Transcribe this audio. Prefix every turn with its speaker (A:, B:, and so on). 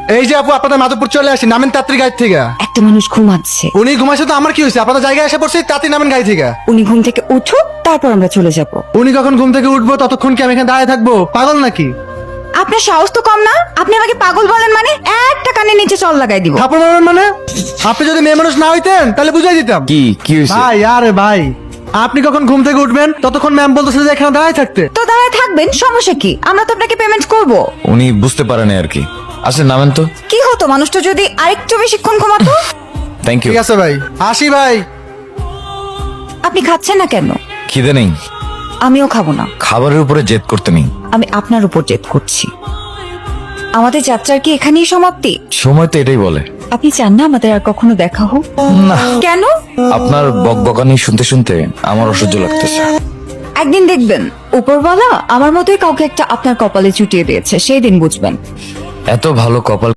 A: এই যে আপু, আপনাদের মাধবপুর চলে আসি, নামেন তাড়াতাড়ি গাড়ি থেকে।
B: একটা মানুষ ঘুমাচ্ছে,
A: উনি ঘুমাইছে তো আমার কি হয়েছে? আপনাদের জায়গায় এসে পড়ছি, তাড়াতাড়ি নামেন গাড়ি থেকে।
B: উনি ঘুম থেকে উঠুক, তারপর আমরা চলে যাব।
A: উনি কখন ঘুম থেকে উঠবো ততক্ষণ কি আমি এখানে দাঁড়িয়ে থাকবো? পাগল নাকি?
B: আপনার সাহস তো কম না, আপনি আমাকে পাগল বলেন মানে একটা কানে নিচে চল লাগাই দিব।
A: থাপড় মারবেন মানে? আপনি যদি মেয়ে মানুষ না হইতেন তাহলে বুঝাই দিতাম।
C: কি হয়েছে?
A: ভাই আরে ভাই, আপনি কখন ঘুম থেকে উঠবেন ততক্ষণ ম্যাম বলতেছে যে এখানে দাঁড়িয়ে থাকতে।
B: তো দাঁড়ায় থাকবেন, সমস্যা কি? আমরা তো আপনাকে পেমেন্ট করব।
C: উনি বুঝতে পারেনি আর কি। আচ্ছা নামেন তো।
B: কি হতো মানুষটা যদি আরেকটু বেশিক্ষণ ঘুমাতো?
C: Thank you.
A: ঠিক আছে ভাই, আসি ভাই।
B: আপনি খাচ্ছেন না কেন?
C: খিদে নেই।
B: আমিও খাবো না।
C: খাবারের উপরে জেদ করতে নেই।
B: আমি আপনার উপর জেদ করছি। আমাদের যাত্রার কি এখানেই সমাপ্তি?
C: সময় তো এটাই বলে।
B: আপনি চান না আমাদের আর কখনো দেখা হোক?
C: না,
B: কেন?
C: আপনার বকবকানি শুনতে শুনতে আমার অসহ্য লাগতেছে।
B: একদিন দেখবেন উপরওয়ালা আমার মতোই কাউকে একটা আপনার কপালে চুটিয়ে দিয়েছে, সেই দিন বুঝবেন।
C: এত ভালো কপাল